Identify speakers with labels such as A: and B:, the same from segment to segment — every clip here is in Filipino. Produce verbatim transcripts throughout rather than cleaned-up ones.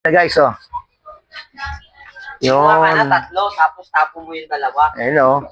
A: Guys, oh.
B: Kuha ka na
A: Yun.
B: tatlo, tapos tapo mo yung dalawa.
A: Ayun, oh.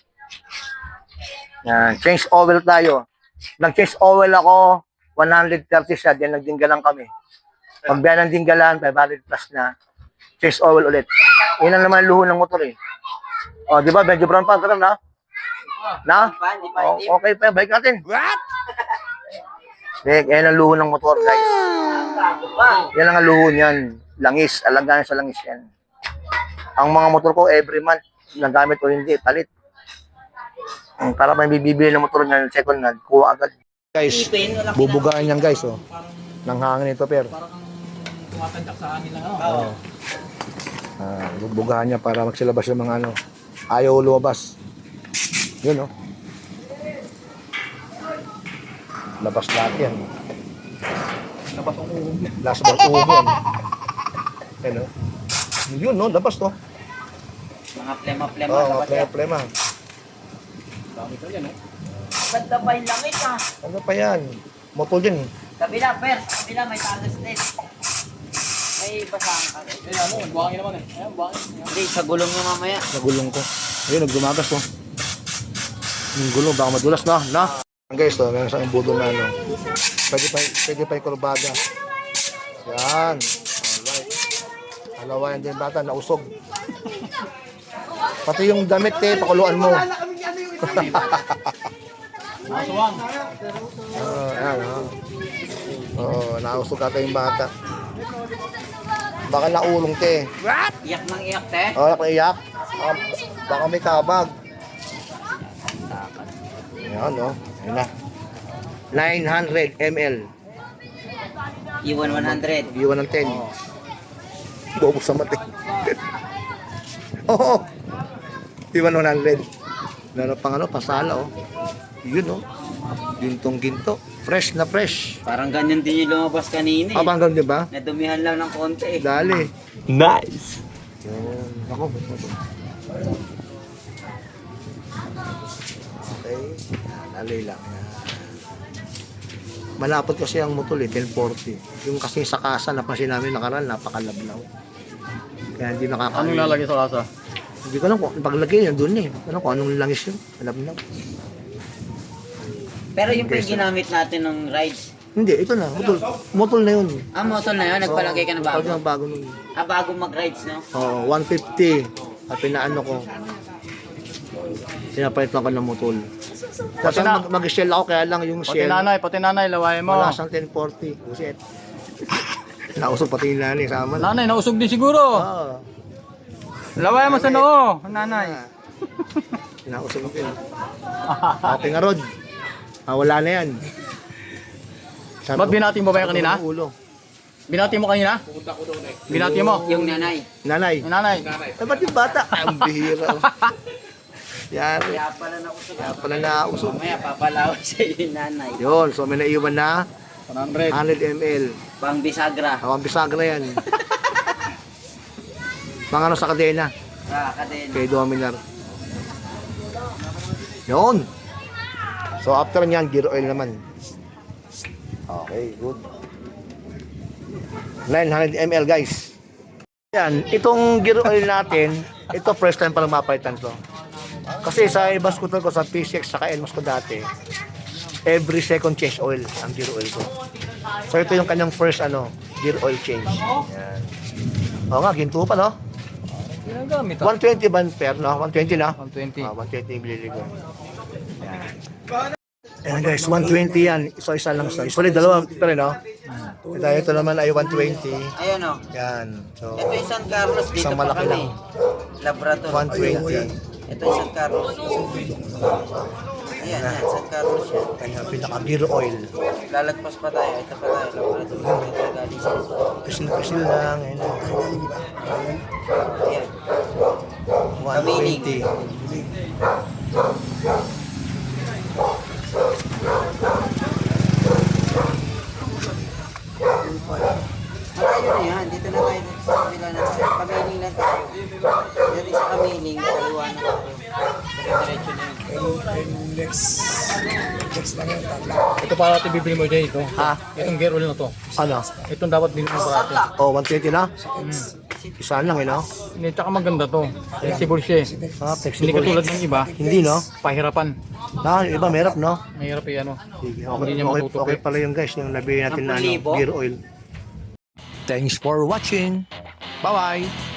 A: Yan. Change oil tayo. Nag-change oil ako, one hundred thirty siya, then nagdinggalan kami. Pag biya ng dinggalan, five hundred plus na. Change oil ulit. Yun ang naman luho ng motor eh. Oh, di ba? Medyo brown pa. Ganun na? Na?
B: Hindi pa, hindi pa,
A: Oh,
B: hindi.
A: okay pa. Balik natin. What? Yan ang luho ng motor, guys.
B: Bago pa.
A: Yan ang luho niyan. Langis. Alagaan sa langis yan. Ang mga motor ko, every month, nagamit o hindi, palit. Um, para may bibili ng motor niya, second hand, kuha agad. Guys, bubugaan yan guys, oh. Nang hangin ito, pero.
C: Tumatandak sa hangin lang, ano?
A: Oo. Ah, bubugaan niya para magsilabas yung mga ano. Ayaw lumabas. Yun, oh. Labas lahat yan.
C: Labas ang ulo.
A: Last ball ugan. Ano? Yun, no? Labas to.
B: Mga plema-plema.
A: Oo, oh,
B: dapat
A: plema,
B: yan.
A: plema.
C: Dami ko yan, eh.
B: Ganda pa yung langit ah.
A: Ano pa yan? Motor yan, eh.
B: Kabila, Per. Kabila, may talas din. May basahan ka.
C: Eh, ano, buhangin naman eh. Ayan, buhangin. Ayan.
B: Hindi, sa gulong niya mamaya.
A: Nagulong ko. Ayun, nagdumagas to. Yung gulong, baka madulas na. Na? Guys, to, meron sa budol na ano. Pwede pa, pwede pa yung kurbada. Yan. Alright. Alawa yan din bata, nausog. Pati yung damit eh, pakuluan mo.
C: Masuwang.
A: Oo, yan, oh. Oo, nausog ata yung bata. Baka naulong te.
B: Iyak ng iyak, te.
A: Oo, oh, iyak. Baka, baka may kabag. Yan, oh. Yan na. nine hundred milliliters.
B: Iwan one hundred.
A: Iwan ng ten. Bobo sa mati. Oo. Iwan one hundred. Meron pang ano, pasala, oh. Yun, oh. Gintong ginto. Fresh na fresh.
B: Parang ganyan din yung lumabas kanina eh.
A: Ah, hanggang di ba?
B: Nadumihan lang ng konti eh.
A: Dali.
C: Nice.
A: Yun. Ako. Okay. Yan, dali lang. Yan. Malapot kasi ang motor eh, ten forty. Yung kasi sa kasa, napansin namin nakaraan, napakalablaw. Kaya hindi nakakain.
C: Anong lalagay sa kasa?
A: Hindi ko alam kung paglagay yan doon eh. Ano kung anong langis yun. Alam na.
B: Pero yung pa yung ginamit natin ng rides.
A: Hindi, ito na. Motor, motor na yun.
B: Ah, motor na yun? Nagpalagay ka na bago?
A: Oo, bago nun.
B: Ah, bago mag-rides, no?
A: Oo, one fifty. At pinaano ko. Sinapalitan ko ng motor. Kasi
C: na-
A: mag- mag-shell ako, kaya lang yung
C: Pati
A: shell.
C: nanay, pati nanay, lawayan mo.
A: Wala siyang ten forty. Buset. Nausog pati yung nanay sa amin.
C: Nanay, nausog din siguro.
A: Oo.
C: Lawayan mo sa noo, nanay.
A: Nausog din. Okay nga, Rod. Ah, wala na yan. Sabi
C: Ba't
A: ko,
C: binati mo ba yan kanina?
A: ng ulo.
C: Binati mo kanina? Binati mo?
B: Yung nanay.
A: Nanay.
C: Yung nanay.
A: Eh, ba't yung bata? Ay, ang bihira. Yari.
B: Kaya pala nakusog.
A: Kaya pala nausog.
B: Mamaya papalawan sa yung nanay.
A: Yun, so may naiwan na
C: one hundred.
A: one hundred milliliters.
B: Pang bisagra.
A: Awang bisagra yan. Pang ano sa kadena,
B: Ah, kadena.
A: kay Dominar. Yun. So after nyan, gear oil naman. Okay, good. nine hundred milliliters guys. Yan, itong gear oil natin, ito first time pa lang mapalitan to. Kasi sa ibang scooter ko, sa P C X, saka Elmos ko dati, every second change oil ang gear oil ko. So ito yung kanyang first ano, gear oil change. Yan. Oo nga, ginto pa no?
C: Ginagamit ah.
A: one twenty ba per no? one twenty na?
C: one twenty.
A: Ah, one twenty mililiter. Yan. Ayan guys, one twenty yan. Isa-isa lang sa. Usually dalawa pa rin, no? Ito, ito naman ay one twenty.
B: Ayun o.
A: Yan. So,
B: Ito yung San Carlos. Dito
A: isang
B: pa
A: malaki
B: kami.
A: lang.
B: Labrador.
A: one twenty.
B: Ito yung San Carlos. Ayan, yan. San Carlos yan.
A: Kanyang pinaka-gear oil.
B: Lalagpas pa tayo. Ito pa tayo. Labrador. Ito galing sa
A: Pisil-pisil lang. Ayan.
B: Ayan.
A: one twenty.
B: Malayo na yan. Dito na tayo. Sa kabila na tayo. Kamiling lang tayo. Dari sa kamiling. Kaliwa na tayo. Diretso na yun.
D: And next
C: Ito para natin bibili mo dyan ito.
A: Ha?
C: Itong gear oil na to.
A: Ano?
C: Itong dapat bilhin mo para natin.
A: Oh, one twenty na?
C: Hmm.
A: Isaan lang, eh, no?
C: Hindi, tsaka maganda to. Flexible siya eh.
A: Ah,
C: Hindi
A: flexible.
C: katulad ng iba.
A: Hindi, no?
C: Pahirapan.
A: Na, iba, merap, no?
C: Mahirap eh ano.
A: Sige,
C: Hindi
A: okay,
C: niya
A: okay,
C: matutupi.
A: okay pala yung guys, yung nabili natin na ano,
B: Sampu libo?
A: gear oil. Thanks for watching. Bye-bye.